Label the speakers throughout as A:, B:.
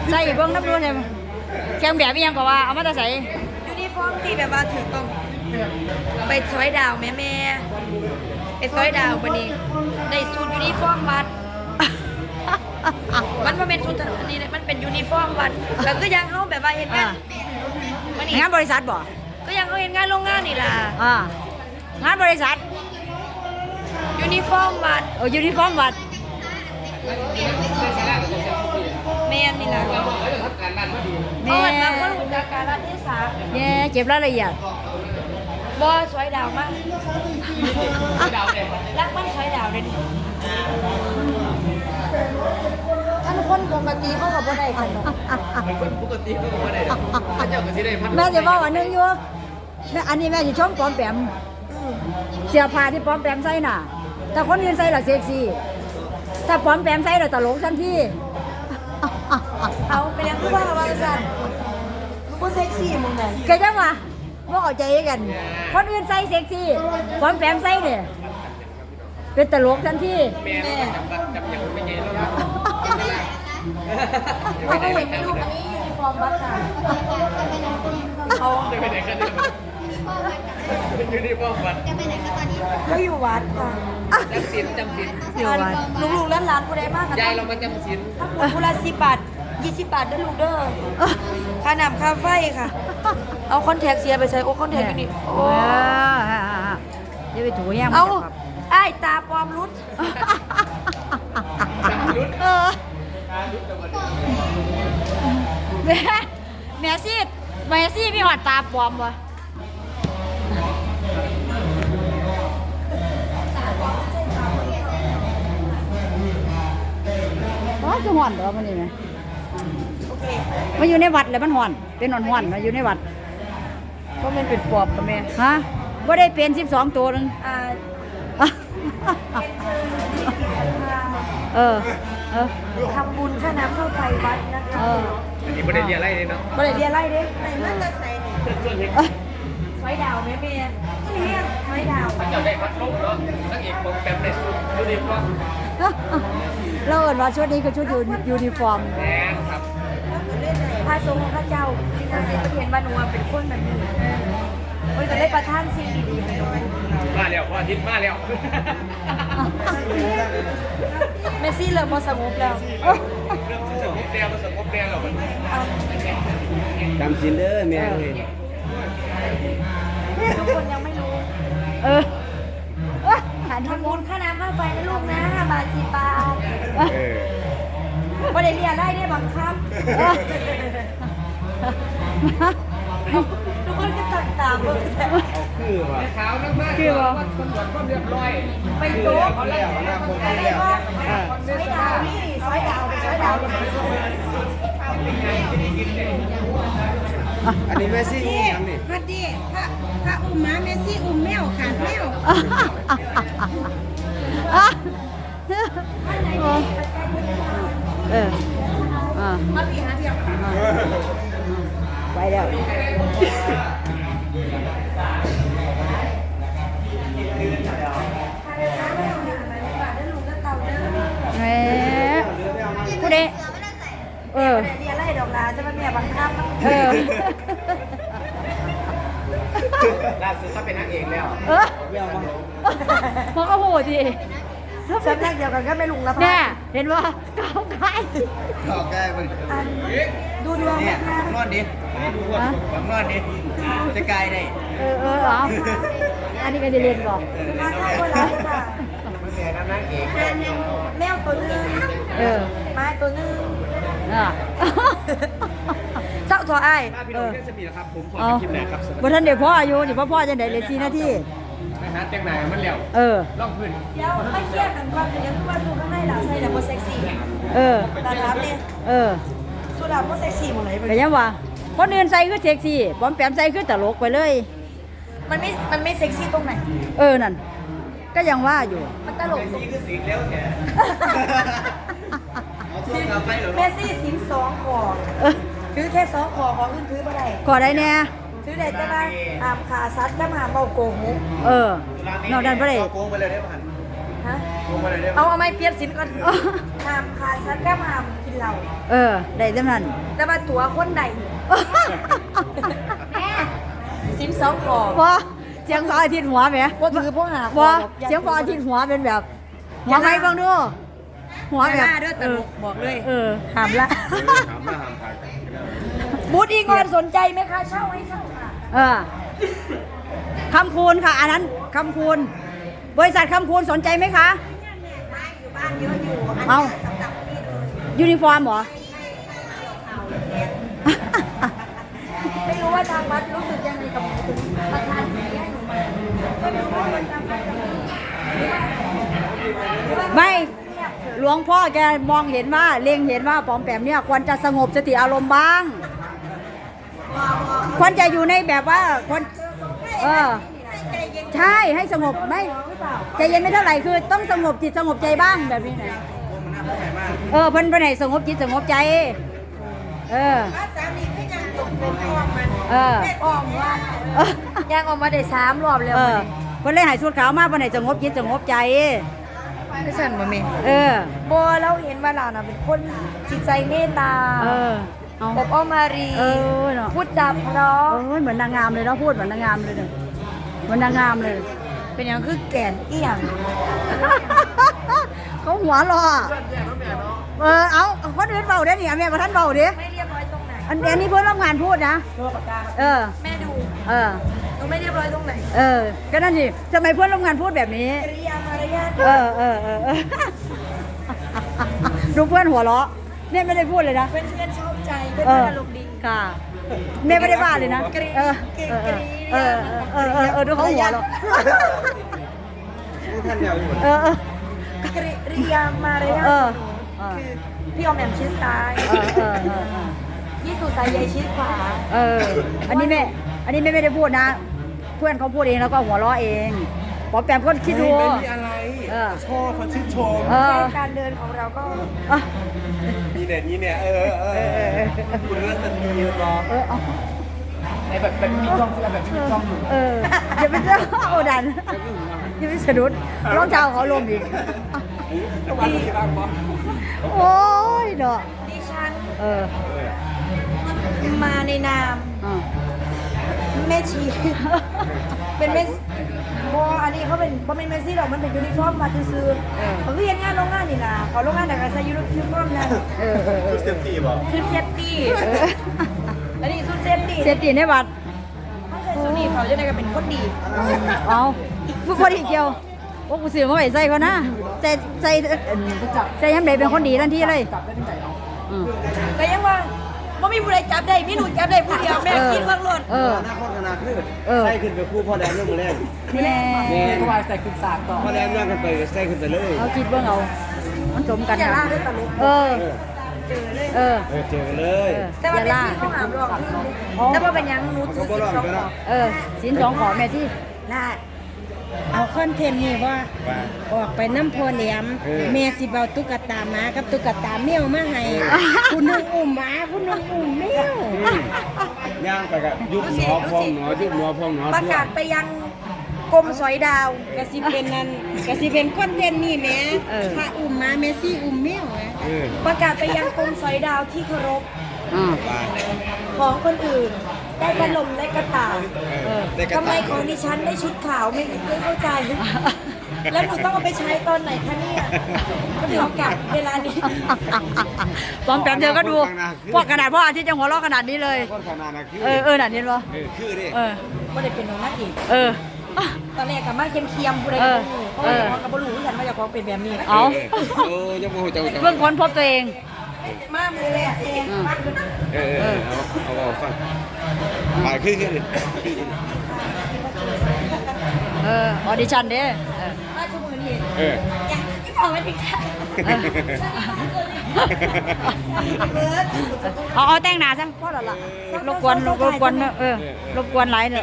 A: ใส่เบิ้งน้ำดูเนี่ยแข่งแบบยังก็ว่าเอามาแต่ใส่
B: ยูนิฟอร์มที่แบบว่าถือต้องไปซอยดาวแม่ไปซอยดาววันนี้ได้สูตรยูนิฟอร์มวัดมันมาเป็นสูตรอันนี้มันเป็นยูนิฟอร์มวัดก็คือยังเขาแบบว่าเห็นงานมันนี่
A: งานบริษัทบ่
B: ก็ยังเขาเห็นงานโรงงานนี่ล่ะ
A: งานบริษัท
B: ยูนิฟอร์มวัด
A: ยูนิฟอร์มวัด
B: แม่นนี่ล่ะ
A: แม่
B: เอามาหุ่นจากการรัฐเทศะ
A: แม่เจ็บรายละเอียด
B: บอสวยดาวมากรักมันสวยดาวเลยดิท่านคนปกติเขาก็บ่ได้ขนม
C: คนปกติเขาก็ไม่ได้พระเจ้าก็สิได้พัด
A: แม่จะบอกว่านึงอยู่แม่อันนี้แม่จะชมปลอมแปมเสื้อผ้าที่ปลอมแปมใส่น่ะแต่คนอื่นใส่ละเซ็กซี่ถ้าปลอมแปมใส่ละตลกทันที
B: เอาไปเลี้ยงผู้ว่าว่าสั่นลูกก็เซ็กซี่มึงไง
A: ก็จังว่าบ่เข้าใจกันคนอื่นใส่เซ็กซี่ปลอมแปมใส่เนี่ยเป็นตลกทันที
C: แม่จับอย่างไม่เย็นแล้ว
B: เขาก็เห็นไม่รู้อันนี้ยูนิฟอร์มวัดค่ะเขา
C: จะไปไหนกันเนี่ยอยู่ที่ป้อมวัด
B: ก็อยู่วัดค่ะ
C: จำศีลจำศีล
B: ลูกๆหลานๆผู้ใดมากกัน
C: ยายเรามาจำศีล
B: ทั้งหมดผู้ละ10 บาท20 บาทเด้อลูกเด้อค่าน้ำค่าไฟค่ะ เอาคอนแทคเสียไปใส่โอ้คอนแทคอยู่นี่โอ้
A: เดี๋ยวไปถูแย่ง
B: เอาไอ้ตาปลอมรุด
A: แม่ซี่มีหอดตาปลอมวะว้าจะห่อนเหรอมันนี่ไหมมาอยู่ในวัดเลยมันห่อนเป็นห่อนมาอยู่ในวัด
B: เพราะมันเป็นปอบกับแม่
A: ฮะว่าได้เป็น12 ตัวนึง เออ
B: ทำบุญค่าน้ำค่าไฟวัดนะคะ
C: อันนี้ไม่ได้เรียนอะไรเลยเนาะ
B: บ่ได้เรียนอะไรเด้ไหนมันจะใส่นี่ไฟดาวแม่นี่เรียกไฟดาว
C: พระเจ้าได้พัดลมเนาะนักเอกปอมแปมได้สุดยูนิฟอร์ม
A: เราเอิ้นว่าชุดนี้คือชุดยูนิฟอร์ม
C: แม่ครับ
B: พระสงฆ์ของข้าเจ้าที่ศักดิ์สิทธิ์ประเทศบ้านหนูเป็นคนแบบนี้โอ้ยจะได้ประทานสิ่งดีๆให้หนู
C: มาแล้วพ่อทิศมาแล้ว
B: เมสซี่เริ่มบ่สงบแล้ว
C: เรื่องสงบแดงมันสงบแดงหรอกมัน
D: จำสินเด้อแม่เอ้ย
B: ทุกคนยังไม่รู้
A: อันนี้
B: ทำบุญค่าน้ำค่าไฟนะลูกนะ5 บาท10 บาท
D: เออ
B: บ่ได้เรียนได้เนี่ยบังคับทุกคนก็ตัดตามเบิ่งแต่
D: เอาคือว่ะ
C: ขาวมากๆคือว่าคนตรวจความเรียบร้อย
B: ไปโต๊ะ
D: เขาแล้วนะผม
B: อะ
D: เขา
B: ไร
D: แล้ว
B: บ้างซอยดาวนี่ซอยดาวไปซอยดาว
D: อันนี้แม่ซี่อุ้มยังนี่
E: พอดีพระอุ้มหมาเมซี่อุ้มแมวขาดแมว
B: มาพี่หาเดียว
A: ไปแล้วแหมผู้ใด
B: เรียนไล่ดอกลาจะมาเมียบังคับ
C: ล่าสุดเขาเป็นนางเอกแล้ว
A: มันก็โหดดิ
B: สำนักเดียวกันก็ไม่ลุงละ
A: เนี่
B: พ่
A: ยเห็นว่าก้าวไกล
D: ถอกได้มัน
B: ดูดวง
D: เนี่ย
B: นะคะ
D: นอนดิดูว่าผมนอนดิจะกายได้
A: เอาอันนี้ก็จะเรียนบอก
B: มาใครคนละค่ะ
C: มันเป็นนางเอก
B: แมวตัวนึงไม้ตัวนึงเจ้าตัวไอ้
C: พี่น้องแค่สปีดครับผมขอ
A: เอา
C: คลิปไหนครับ
A: บ่ทันได้พ่ออายุนี่พ่อจะได้เลย4 นาที
C: นะฮะแต่งหน้ามันแล้ว ล่องพื้น
B: เดี๋ยวไม่เครียดกันก่อนเดี๋ยวทุกวันดูข้างในหล่ะใส่แต่โมเซ็กซี่ตาถามเนี่ยสุดาโมเซ็กซี่หมดเลย
A: ก็ยังว่าคนอื่นใส่คือเซ็กซี่ปอมแปมใส่คือตลกไปเลย
B: มันไม่เซ็กซี่ตรงไหน
A: นั่นก็ยังว่าอยู่
B: มันตลก
D: นี่คือสีเลี้ยวแท้เอาตัวกลับไปเหรอ
B: เมสซี่สิน2 ขอถือแค่2 ขอของอื่นถือไม่ได้
A: ขอได้แน่
B: ถือได้แต่ว่าหามขาซัดกับหามเบาโกงมุก
A: นอกนั้นบ่ได้
D: โกงไปเลยได้ป่ะ
B: ฮะ
D: โกงไปเลยได้ป่ะ
B: เอาไม้เปรียบสินก่อนหามขาซัดกับหามกินเหล้า
A: ได้จำนั้น
B: แต่ว่าตัวคนใด12ขอ
A: ว่าเสียงพออาทิตย์หัวไหม
B: บ่ถือพวกหา
A: ว่าเสียงพออาทิตย์หัวเป็นแบบหัวไหมบ้างดูหัวแบบ
B: เด้อตลกบอกเลย
A: ห้ามละ
C: ถามหน้าถามทางกัน
B: บูธอีกอนสนใจไหมคะเช่าให้เช่าค่ะ
A: คำคูณค่ะอันนั้นคำคูณบริษัทคำคูณสนใจไหมคะ
B: อยู่บ้านเยอะอยู่
A: เอายูนิฟอร์มเหรอ
B: ไม่รู้ว่าทางวัดรู้สึกยังไงกับประธานสีให้หนูมาไม่รู้ว่าทางวัดจะมี
A: ไม่หลวงพ่อแกมองเห็นว่าเล็งเห็นว่าปอมแปมเนี่ยควรจะสงบสติอารมณ์บ้างควรจะอยู่ในแบบว่าควรใช่ให้สงบไม่ใจเย็นไม่เท่าไหร่คือต้องสงบจิตสงบใจบ้างแบบนี้นะเพิ่นไปไหนสงบจิตสงบใจ
E: สามีก็ยังตกเป็นอ้อมมัน
B: ออกว่ายังออกมาได้3 รอบแล้ว
A: เพิ่นเลยหายชุดขาวมาเพิ่นไหนสงบจิตสงบใจ
B: ไม่ใช่บ่แม่ โบเราเห็นว่าเราน่ะเป็นคนจิตใจเมตตา
A: เอา
B: อบอ้อมอารี
A: เนาะ
B: พูดจาเพราะ
A: เหมือนนางงามเลยเนาะพูดเหมือนนางงามเลยเนี่ยเหมือนนางงามเลย
B: เป็นอย่างคือแก่นเอี่ยง
A: เขาหัวรอเอาคนอื่นเบาได้เนี่ยแม่มาท่านเบาดิ
B: ไม่เรียบร้อยตรงไหน
A: อันนี้เพื่อนร่วมงานพูดนะ
B: แม่ดู
A: เออ
B: หนูไม่เรียบร้อยตรงไหน
A: ก็นั่นสิทำไมเพื่อนร่วมงานพูดแบบนี้
B: กริยามารยาท
A: ดูเพื่อนหัวเราะเนี่ยไม่ได้พูดเลยนะ
B: เป็นเพื่อนชอบใจเป็นเพื่อนอารมณ์ดี
A: ค่ะแม่ไม่ได้ว่าเลยนะดูเขาหัวเราะ
C: ท่านยาวอยู่
B: กริยามารยาทคือพี่ออมแอมชิดซ้ายพี่สุสายใยชิดขวา
A: อันนี้แม่ไม่ได้พูดนะ เพื่อนเขาพูดเองแล้วก็หัวเราะเองปอมแปมก็คิดดู
C: ไม่มีอะไรชอบเขาชื่นชม
B: แค่การเดินของเราก็
C: นี่เนี่ยคุณเลือกสตรีรอ
D: ในแบบมีกล้องคือแบบมีกล้องอยู่
A: อย่าไปเจอโอดันอย่าไปสะดุดรองเท้าเขาลมอีก
C: วันนี้บ้างปะ
A: โอ้ยเนาะ
B: ดิฉัน
A: เออ
B: มาในนามแม่ชี เป็นแม่บออันนี้เขาเป็นบอเป็นแม่ชีหรอกมันเป็นยูนิฟอร์มมาซื้อเขาเรียนงานโรงงานนี่นะเขาโรงงานแต่การใช้ยูนิฟอร์มนั่น
C: ชุดเซฟตี้ป่ะ
B: ชุดเซฟตี้แล้วนี่ชุดเซฟตี้
A: เซฟตี้ในบัตร
B: เขาใส่ชุดนี้เขาจะได้กันเป็นคนดี
A: เอาผู้คนอีกเดียวโอ้กูซื้อมาไว้ใส่เขานะใส่ยังไงเป็นคนดีทันทีเลย
B: แต่ยังว่าไม่มีผู้ใดจับได้มีหนูจับได้ผู้เดียวแม่กินเมืองล้น
C: หน้าโคตรขนาดขึ้นใส่ขึ้นไปคู่พ่อแดงเรื่องมือแรก
A: แน่
D: เขาว่าใส่ขึ้นสากต่อ
C: พ่อแดงเรื่องกันไปใส่ขึ้นไปเลย
A: เอาคิดเบิ่งเอามันสมกัน
B: อย่า
A: นะ
B: ล่าด้วยตลก
A: เจอเลย
C: เจอกันเลย
B: แต่ว่าแม่ซี่เขาหามรองแต่ว่าเป็นยังหนูถือสิบสองขอ
A: สินสองขอแม่ที่
B: น่า
E: เอาคอนเทนต์นี่ว่าออกไปน้ำพอแหลมแม่สิเบาตุ๊กตาหมากับตุ๊กตาแมวมาให้คุณนึงอุ้มหมาคุณนึงอุ้มแมว
C: ย่างไปกับยุบหนอพองหนอยุบหนอพองหนอ
B: ประกาศไปยังกรมสอยดาว
E: กะสิเป็นนั่นกะสิเป็นคอนเทนต์นี่แหม่พระอุ้มหมาแม่ซี่อุ้มแมวนะ
B: ประกาศไปยังกรมสอยดาวที่เคารพ
C: บ้าน
B: ของคนอื่นได้พัดลมได้กระต่ายทำไมของดิฉันได้ชุดขาวไม่เข้าใจ แล้วหนูต้องเอาไปใช้ตอนไหนคะเนี่ยก็ถึงกลับเวลานี้
A: ตอนแป๊บเดียวก็ดูพวกขนาดพ่ออาทิตย์ยังหัวเราะขนาดนี้เลย
C: โคตรขนาดนะคือ
A: หนาดนี้ปะ
C: คือดิ
B: ก็ได้เป็นน้องนักอีก ตอนแรกกับมาเคียมๆผู้ใดก็รู้เพราะว่ากับบรู้กันว่าจะของเป็นแบบนี้
A: เอา
C: จะโมโหจัง
A: เพิ่งค้นพบตัวเอง
B: มามือแรกเอง
C: เอาฟังไปคือดิ
A: ออดิชั่นเด้
B: มาชั่วโมงนี้อยากที่ขอมาถึงค่ะ
A: เอาแต่งหน้าซะพอแล้วล่ะรบกวนรบกวนหลายเนอะ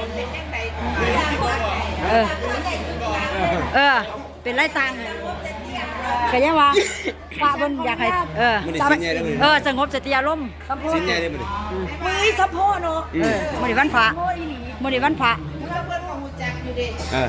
A: เป็นไรตังก็ยังว่าป้าเพิ่นอยากให้สงบสติอารมณ์
C: ชิ้นใหญ่เลยมัน
B: มือสะโพกเนาะ
A: มื้อนี้วันพระ
B: โพอีหลี
A: มื้อนี้วันพระ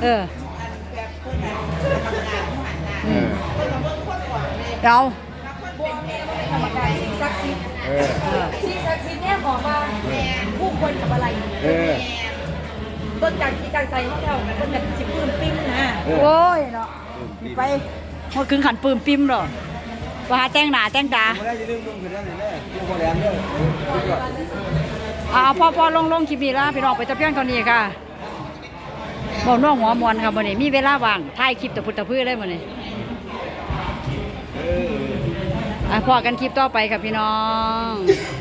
A: เดี๋ยว
B: บัวแม่ก็เป็นกรรมการสิ่งศักดิ์สิทธิ์
C: เออ
B: สิ่งศักดิ์สิทธิ์เนี่ยบอกว่าผู้คนกับอะไร
C: เออ
B: ต้นจากที่การใจของเราต้นจากสิบปืนปิ้งนะ
A: โอ้ยเนาะไปหมดครึ่งขันปืมปิมหรอว่าหาแต่งหน้าแต่งตา
C: ไม่ได้จะดึงลงขึ้นนั่นเลยลูกโมแรมเลยสุดยอด
A: พอลงคลิปนี้ละพี่น้องไปตะเพียงเท่านี้ค่ะบอกน้องหัวมวนค่ะมื้อนี้มีเวลาว่างถ่ายคลิปตะพุตตะพื้อเลยมื้อนี้พอกันคลิปต่อไปค่ะพี่น้อง